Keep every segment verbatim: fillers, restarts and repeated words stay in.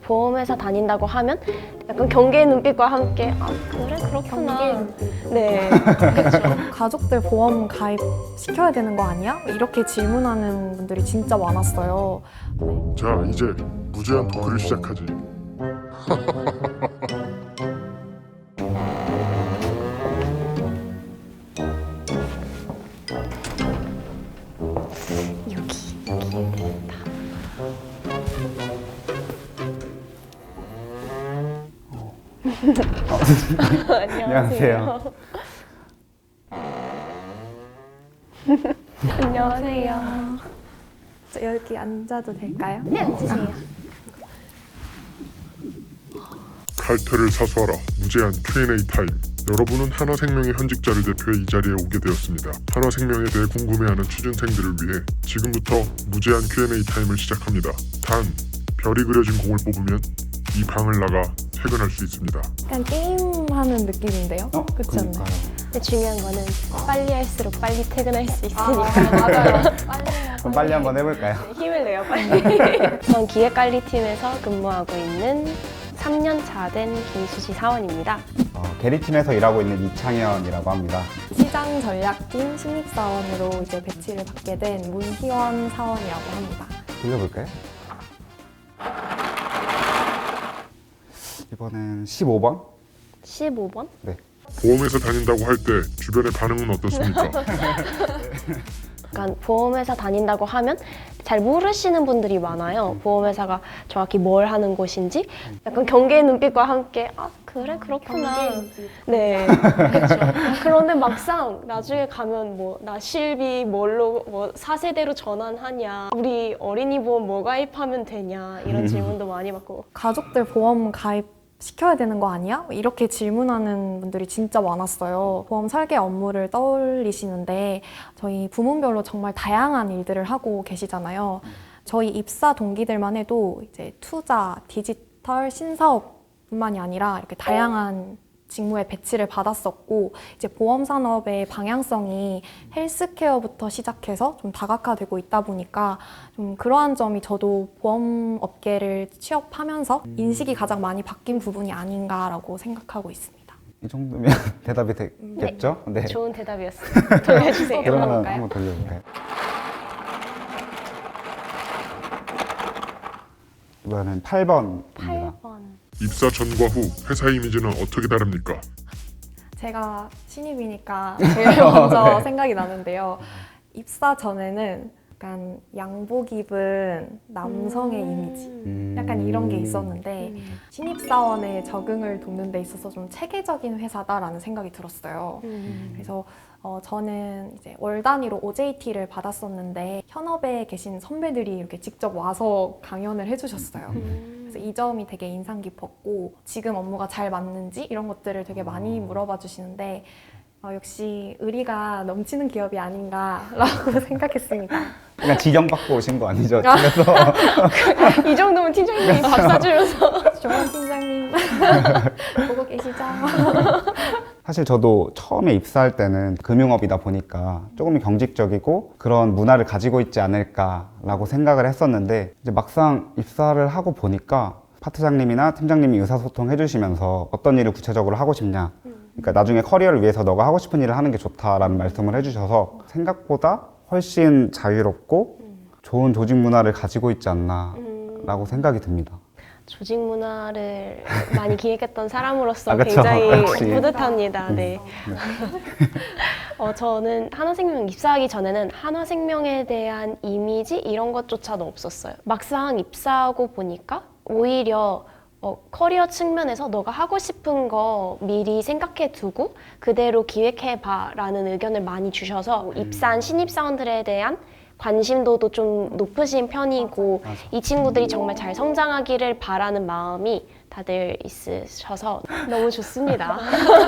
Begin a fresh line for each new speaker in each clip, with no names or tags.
보험회사 다닌다고 하면 약간 경계의 눈빛과 함께 아 그래 그렇구나. 네. 그렇죠.
가족들 보험 가입 시켜야 되는 거 아니야? 이렇게 질문하는 분들이 진짜 많았어요. 네.
자, 이제 무제한 토크를 시작하지.
여기 여기 됐다.
안녕하세요.
안녕하세요.
저 여기 앉아도 될까요?
네, 앉으세요.
칼퇴를 사수하라. 무제한 큐 앤 에이 타임. 여러분은 하나생명의 현직자를 대표해 이 자리에 오게 되었습니다. 하나생명에 대해 궁금해하는 취준생들을 위해 지금부터 무제한 큐 앤 에이 타임을 시작합니다. 단, 별이 그려진 공을 뽑으면 이 방을 나가 퇴근할 수 있습니다.
약간 게임하는 느낌인데요?
어?
그렇지 않나요?
그러니까요.
근데 중요한 거는 빨리 할수록 빨리 퇴근할 수 있으니까
맞아요. 빨리
그럼 빨리 한번 해볼까요?
힘을 내요 빨리. 전 기획관리팀에서 근무하고 있는 삼 년 차 된 김수지 사원입니다.
어, 게리팀에서 일하고 있는 이창현이라고 합니다.
시장 전략팀 신입사원으로 이제 배치를 받게 된 문희원 사원이라고 합니다.
돌려볼까요? 이번엔 십오 번?
십오 번?
네.
보험회사 다닌다고 할 때 주변의 반응은 어떻습니까?
약간 보험회사 다닌다고 하면 잘 모르시는 분들이 많아요. 보험회사가 정확히 뭘 하는 곳인지 약간 경계의 눈빛과 함께 아 그래 그렇구나. 네, 그렇죠. 그런데 막상 나중에 가면 뭐 나 실비 뭘로 뭐 사 세대로 전환하냐, 우리 어린이 보험 뭐 가입하면 되냐 이런 질문도 많이 받고.
가족들 보험 가입 시켜야 되는 거 아니야? 이렇게 질문하는 분들이 진짜 많았어요. 보험 설계 업무를 떠올리시는데 저희 부문별로 정말 다양한 일들을 하고 계시잖아요. 저희 입사 동기들만 해도 이제 투자, 디지털, 신사업뿐만이 아니라 이렇게 다양한 직무에 배치를 받았었고 이제 보험 산업의 방향성이 헬스케어부터 시작해서 좀 다각화되고 있다 보니까 좀 그러한 점이 저도 보험 업계를 취업하면서 인식이 가장 많이 바뀐 부분이 아닌가라고 생각하고 있습니다.
이 정도면 대답이 되겠죠? 네.
좋은 대답이었어요. 돌려주세요.
그러면
돌려볼까요?
한번 돌려볼까요? 이번엔 팔 번입니다.
팔 번.
입사 전과 후 회사 이미지는 어떻게 다릅니까?
제가 신입이니까 제일 먼저 생각이 나는데요. 입사 전에는 약간 양복 입은 남성의 이미지
음.
약간 이런 게 있었는데 신입사원의 적응을 돕는 데 있어서 좀 체계적인 회사다라는 생각이 들었어요.
음.
그래서 어, 저는 이제 월 단위로 오 제이 티를 받았었는데 현업에 계신 선배들이 이렇게 직접 와서 강연을 해주셨어요. 그래서 이 점이 되게 인상 깊었고 지금 업무가 잘 맞는지 이런 것들을 되게 많이 물어봐 주시는데 어, 역시 의리가 넘치는 기업이 아닌가라고 생각했습니다.
그냥 지경받고 오신 거 아니죠? 집에서.
이 정도면 팀장님이 밥 사주면서.
조원 팀장님 보고 계시죠?
사실 저도 처음에 입사할 때는 금융업이다 보니까 조금 경직적이고 그런 문화를 가지고 있지 않을까라고 생각을 했었는데 이제 막상 입사를 하고 보니까 파트장님이나 팀장님이 의사소통 해주시면서 어떤 일을 구체적으로 하고 싶냐, 그러니까 나중에 커리어를 위해서 너가 하고 싶은 일을 하는 게 좋다라는 말씀을 해주셔서 생각보다 훨씬 자유롭고 좋은 조직 문화를 가지고 있지 않나라고 생각이 듭니다.
조직 문화를 많이 기획했던 사람으로서
아, 그쵸.
굉장히
역시.
뿌듯합니다. 네. 어, 저는 한화생명 입사하기 전에는 한화생명에 대한 이미지 이런 것조차도 없었어요. 막상 입사하고 보니까 오히려 어, 커리어 측면에서 너가 하고 싶은 거 미리 생각해 두고 그대로 기획해봐 라는 의견을 많이 주셔서 입사한 신입사원들에 대한 관심도도 좀 높으신 편이고
맞아.
이 친구들이 정말 잘 성장하기를 바라는 마음이 다들 있으셔서 너무 좋습니다.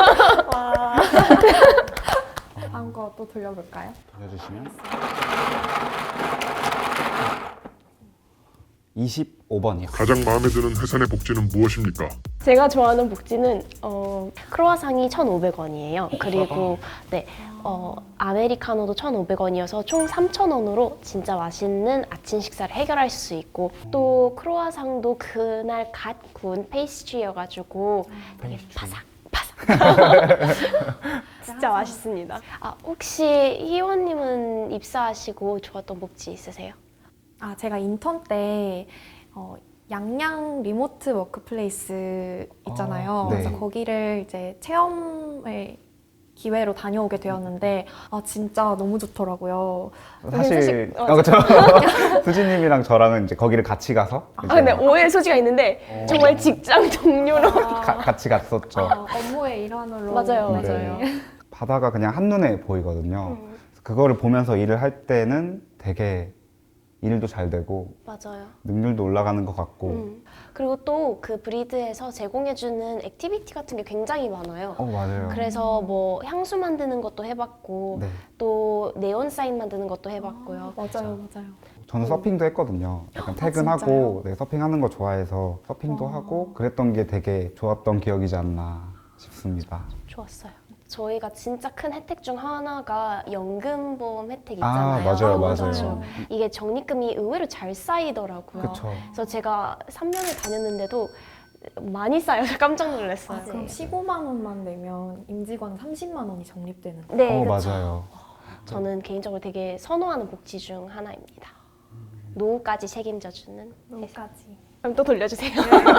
다음 거 또 돌려볼까요?
돌려주시면 이십 오 번이요.
가장 마음에 드는 회사 내 복지는 무엇입니까?
제가 좋아하는 복지는 어, 크로아상이 천오백 원이에요. 그리고 네, 어, 아메리카노도 천오백 원이어서 총 삼천 원으로 진짜 맛있는 아침 식사를 해결할 수 있고 또 크로아상도 그날 갓 구운 페이스트리여가지고 되게 바삭 바삭 진짜 맛있습니다. 아, 혹시 희원님은 입사하시고 좋았던 복지 있으세요?
아, 제가 인턴 때 어, 양양 리모트 워크플레이스 있잖아요.
아, 네.
그래서 거기를 이제 체험을 기회로 다녀오게 되었는데 아 진짜 너무 좋더라고요.
사실
사실-
어, 그렇죠. 수지님이랑 저랑은 이제 거기를 같이 가서
아
이제
근데 오해의 소지가 있는데 정말 직장 동료로
가- 같이 갔었죠.
아, 업무의 일환으로
맞아요,
네.
맞아요.
바다가 그냥 한눈에 보이거든요.
음.
그거를 보면서 일을 할 때는 되게 일도 잘 되고
맞아요.
능률도 올라가는 것 같고
음. 그리고 또 그 브리드에서 제공해주는 액티비티 같은 게 굉장히 많아요.
어 맞아요.
그래서 뭐 향수 만드는 것도 해봤고
네.
또 네온 사인 만드는 것도 해봤고요.
맞아요, 맞아요.
저는 서핑도 했거든요. 약간
아,
퇴근하고 네, 서핑하는 거 좋아해서 서핑도
어.
하고 그랬던 게 되게 좋았던 기억이지 않나 싶습니다.
좋았어요. 저희가 진짜 큰 혜택 중 하나가 연금보험 혜택
아,
있잖아요.
맞아요,
그렇죠.
맞아요.
이게 적립금이 의외로 잘 쌓이더라고요.
그렇죠.
그래서 제가 삼 년을 다녔는데도 많이 쌓여서 깜짝 놀랐어요.
아, 그럼 십오만 원만 내면 임직원 삼십만 원이 적립되는 거예요?
네,
어
그렇죠.
맞아요.
저는 개인적으로 되게 선호하는 복지 중 하나입니다. 노후까지 책임져주는 회사.
노까지.
그럼 또 돌려주세요.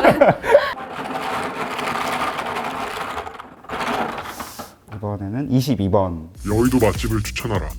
이번에는 이십이 번.
여의도 맛집을 추천하라.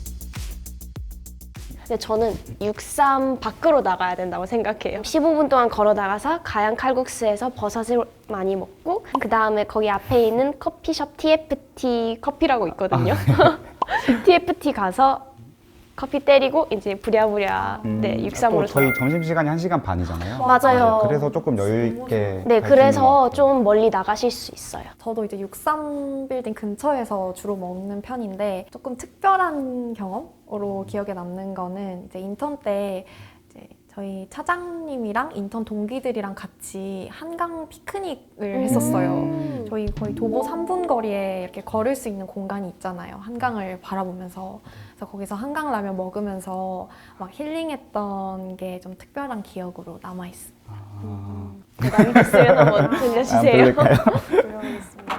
근데 저는 육삼 밖으로 나가야 된다고 생각해요. 십오 분 동안 걸어 나가서 가양 칼국수에서 버섯을 많이 먹고 그 다음에 거기 앞에 있는 커피숍 티에프티 커피라고 있거든요. 티에프티 가서 커피 때리고 이제 부랴부랴 네 육삼으로
또 저희 점심 시간이 한 시간 반이잖아요.
맞아요.
네, 그래서 조금 여유 있게.
네,
갈수 있는 것
그래서
같아요.
좀 멀리 나가실 수 있어요.
저도 이제 육삼 빌딩 근처에서 주로 먹는 편인데 조금 특별한 경험으로 기억에 남는 거는 이제 인턴 때 이제 저희 차장님이랑 인턴 동기들이랑 같이 한강 피크닉을 했었어요.
음.
저희 거의 도보 삼 분 거리에 이렇게 걸을 수 있는 공간이 있잖아요. 한강을 바라보면서. 그래서 거기서 한강 라면 먹으면서 막 힐링했던 게 좀 특별한 기억으로 남아있습니다.
아,
부담이 됐으면 한번
안
들려주세요.
들릴까요?
들려보겠습니다.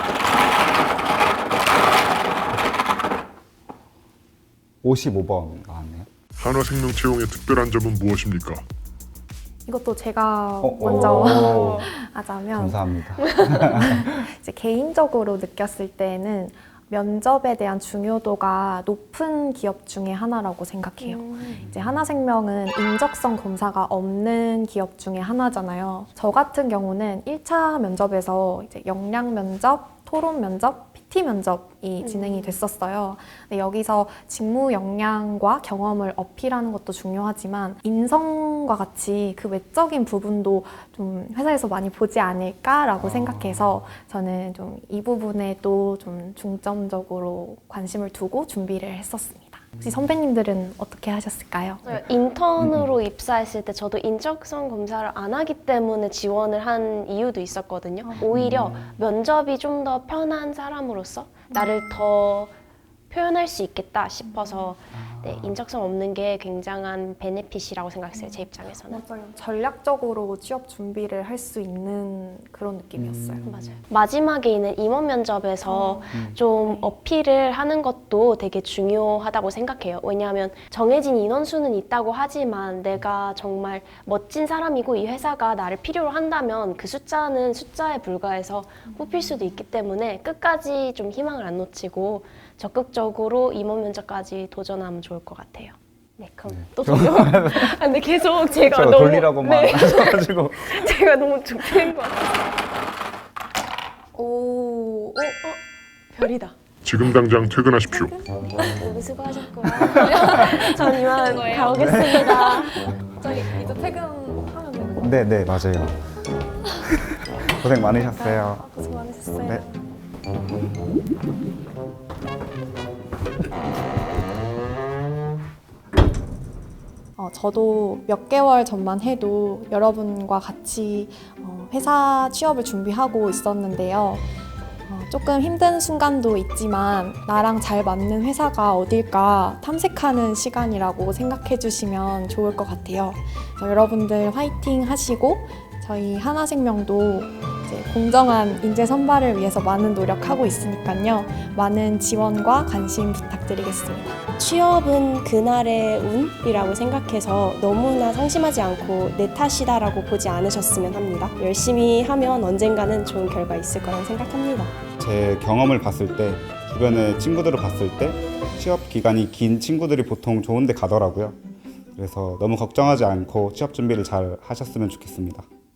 오십오 번 나왔네요.
한화생명채용의 특별한 점은 무엇입니까?
이것도 제가
어,
먼저
오,
하자면
감사합니다.
이제 개인적으로 느꼈을 때는 면접에 대한 중요도가 높은 기업 중에 하나라고 생각해요.
음.
이제 하나생명은 인적성 검사가 없는 기업 중에 하나잖아요. 저 같은 경우는 일 차 면접에서 이제 역량 면접, 토론 면접, 피티 면접이 진행이 됐었어요. 근데 여기서 직무 역량과 경험을 어필하는 것도 중요하지만 인성과 같이 그 외적인 부분도 좀 회사에서 많이 보지 않을까라고
아.
생각해서 저는 좀 이 부분에도 좀 중점적으로 관심을 두고 준비를 했었습니다. 혹시 선배님들은 어떻게 하셨을까요?
네, 인턴으로 입사했을 때 저도 인적성 검사를 안 하기 때문에 지원을 한 이유도 있었거든요. 오히려 면접이 좀 더 편한 사람으로서 나를 더 표현할 수 있겠다 싶어서 네, 인적성 없는 게 굉장한 베네핏이라고 생각했어요. 제 입장에서는.
맞아요. 전략적으로 취업 준비를 할 수 있는 그런 느낌이었어요.
맞아요. 마지막에 있는 임원 면접에서 좀 어필을 하는 것도 되게 중요하다고 생각해요. 왜냐하면 정해진 인원수는 있다고 하지만 내가 정말 멋진 사람이고 이 회사가 나를 필요로 한다면 그 숫자는 숫자에 불과해서 뽑힐 수도 있기 때문에 끝까지 좀 희망을 안 놓치고 적극적으로 임원 면접까지 도전하면 좋을 것 같아요. 네, 그럼 또 돌려. 아, 근데 계속 제가
제가
너무
돌리라고만
네,
하셔가지고.
제가 너무 좁힌 것 같아요.
오,
어, 별이다.
지금 당장 퇴근하십시오.
모두 수고하셨고요. 전 이만 가보겠습니다.
저희 이제 퇴근하면 되는 거예요?
네, 네, 맞아요. 고생 많으셨어요.
아, 고생 많으셨어요.
네.
어, 저도 몇 개월 전만 해도 여러분과 같이 어, 회사 취업을 준비하고 있었는데요. 어, 조금 힘든 순간도 있지만 나랑 잘 맞는 회사가 어딜까 탐색하는 시간이라고 생각해 주시면 좋을 것 같아요. 그래서 여러분들 화이팅 하시고 저희 하나생명도 이제 공정한 인재 선발을 위해서 많은 노력하고 있으니까요. 많은 지원과 관심 부탁드리겠습니다.
취업은 그날의 운이라고 생각해서 너무나 상심하지 않고 내 탓이다라고 보지 않으셨으면 합니다. 열심히 하면 언젠가는 좋은 결과 있을 거라고 생각합니다.
제 경험을 봤을 때, 주변의 친구들을 봤을 때 취업 기간이 긴 친구들이 보통 좋은 데 가더라고요. 그래서 너무 걱정하지 않고 취업 준비를 잘 하셨으면 좋겠습니다.